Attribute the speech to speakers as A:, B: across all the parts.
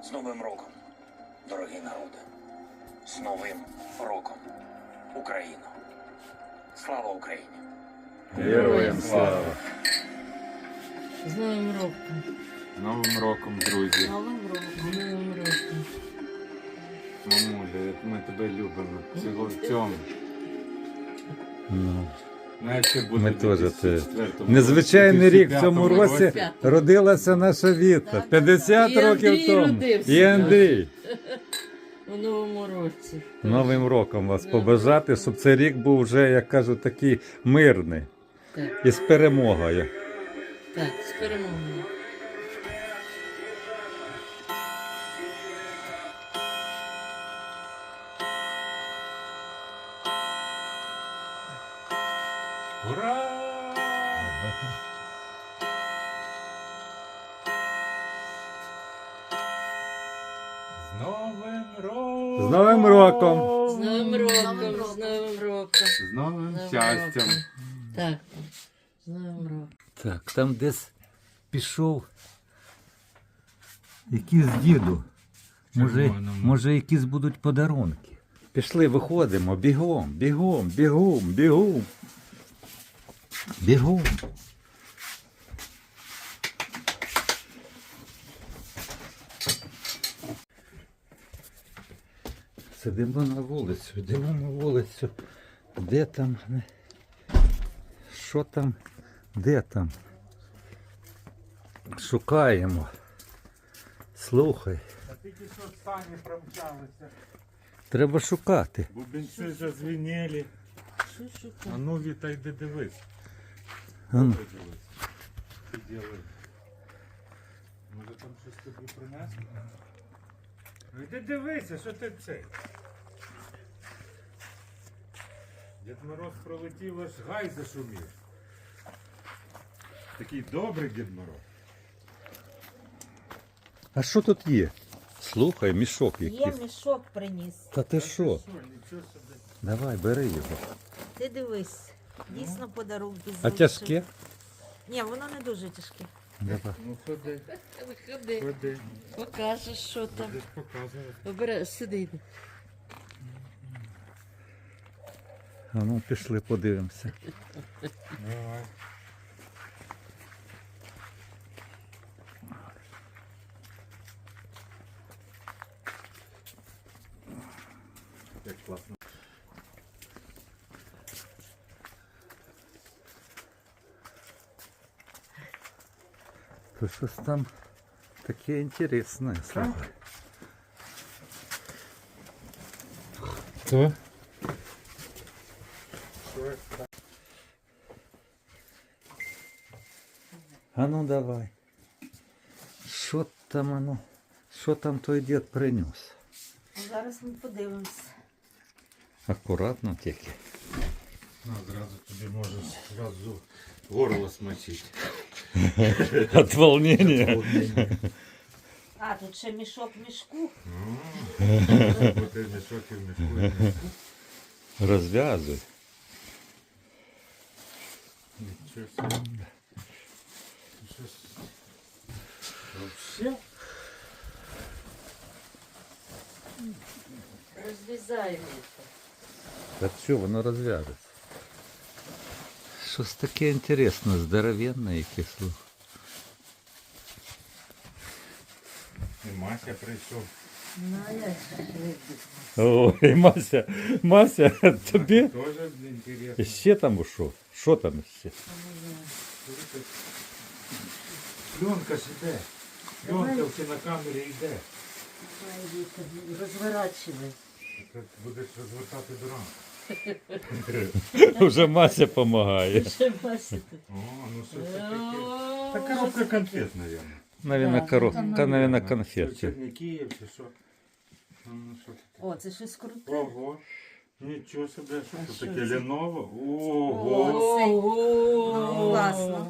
A: З Новим роком, дорогі народи! З Новим роком, Україно! Слава Україні!
B: Героям слава!
C: З Новим роком.
B: З Новим роком, друзі!
C: Новим роком. Новим роком.
B: Мамуля, як ми тебе любимо. Всього в цьому.
D: Ну,
B: Знаєш, як буде
D: ми
B: в
D: теж це.
B: 2004
D: Незвичайний рік в
B: 2005
D: цьому році родилася наша Віта. 50
C: І
D: років
C: Андрій
D: тому.
C: родився.
D: І Андрій.
C: У Новому році.
D: Новим роком вас побажати, щоб цей рік був вже, як кажуть, такий мирний.
C: Так,
D: І з перемогою.
C: так, з перемогою.
B: Ура! З Новим роком!
D: З Новим роком!
C: З Новим роком, з Новим роком.
B: З новим
C: З Новим
B: щастям!
C: роком. Так, з Новим роком.
D: Так, там десь пішов якийсь діду. Може якісь будуть подарунки. Пішли, виходимо, бігом, бігом, бігом, бігом. Бігом. Сидимо на вулицю, йдемо на вулицю. Де там? Що там? Де там? Шукаємо. Слухай,
B: А тільки що самі промчалися.
D: треба шукати.
B: Бубенці зазвеніли.
C: Що
B: А
C: шукати?
B: ну, Віта, йди дивись.
D: А ну.
B: Добре дивись. Що ділаєш? Може там щось тобі принесли? Ну йди дивися, що ти цей. Дід Мороз пролетів, аж гай зашумів. Такий добрий Дід Мороз.
D: А що тут є? Слухай, мішок
E: Є
D: якийсь.
E: мішок приніс.
D: Та ти що?
B: Що, нічого собі.
D: Давай, бери його.
E: Ти дивись, дійсно подарунки
D: А
E: залишив.
D: тяжке?
E: Ні, воно не дуже тяжке.
D: Давай.
B: Ну ходи,
C: Виходи,
B: ходи.
C: покажеш, що там.
B: Будеш показувати.
C: Обирай, сиди.
D: А ну пішли, подивимося.
B: Давай. Як класно.
D: То щось там таке інтересне, слухай.
B: Хто?
D: А ну давай. Що там оно? Що там той дід принес?
E: Зараз ми подивимося.
D: Акуратно тільки.
B: Ну, зразу тобі можеш зразу горло смочити.
D: От волнения.
E: А, тут ще мішок в мішку.
B: Бо ти мішок і в мішку, і в мішку.
D: Розв'язуй.
B: Нічого собі. Щось. Вообще?
C: Розрізаємо.
D: Та що, воно розв'яжеться. Щось таке інтересне, здоровенне якесь.
B: І Мася прийшов.
C: Ну, а як же?
D: Ой, Мася, тобі
B: Тоже інтересно.
D: ще там ушов? Що там ще?
B: Пленка ж іде. Пленка в кінокамері йде.
C: Розворачивай.
B: Ти будеш розвертати дурак.
D: Вже Мася допомагає.
C: Ще бачите.
B: О, ну що це таке? Та коробка конфет, мабуть.
D: Навіть
C: Так,
D: коробка, навіть
B: Що,
D: конфет.
B: Черніків чи що? Ну, що таке?
E: О, це щось круте.
B: Ого. Нічого собі, що
C: А
B: це
C: що
B: таке
C: це?
B: Lenovo? Ого.
C: Ого!
E: Класно.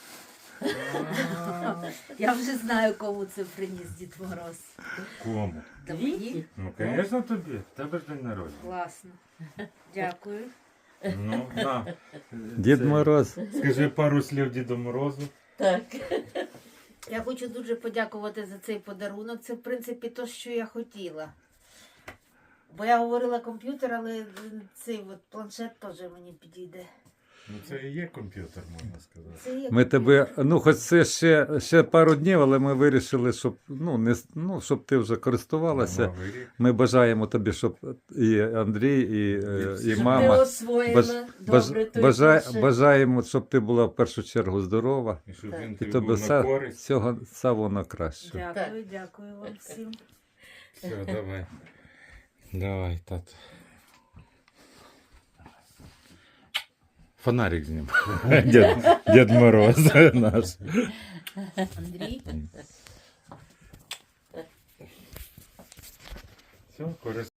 E: Я вже знаю, кому це приніс Дід Мороз.
B: Кому?
E: Та мені?
B: Ну, звісно, тобі. В тебе ж день народження.
E: Класно. Дякую.
B: Ну, на.
D: Дід
B: Це-
D: Мороз.
B: Скажи пару слів Діду Морозу.
C: Так.
E: Я хочу дуже подякувати за цей подарунок. Це, в принципі, те, що я хотіла. Бо я говорила комп'ютер, але цей от планшет теж мені підійде.
B: Ну це і є комп'ютер, можна сказати.
E: Це є
D: Ми
E: комп'ютер.
D: тебе, ну хоч це ще пару днів, але ми вирішили, щоб, щоб ти вже користувалася.
B: Новий рік.
D: Ми бажаємо тобі, щоб і Андрій, і
C: Щоб ти
D: мама.
C: освоїла добре той планшет.
D: Бажаємо, щоб ти була в першу чергу здорова.
B: І щоб
C: Так.
B: він
D: І
B: тобі
D: тобі
B: був на
D: все,
B: користь.
D: всього самого найкращого.
E: Дякую, дякую вам всім.
B: Все, давай. Давай, тато. Фонарик знімай. Дед Мороз наш.
E: Андрій.
B: Все, користуйся.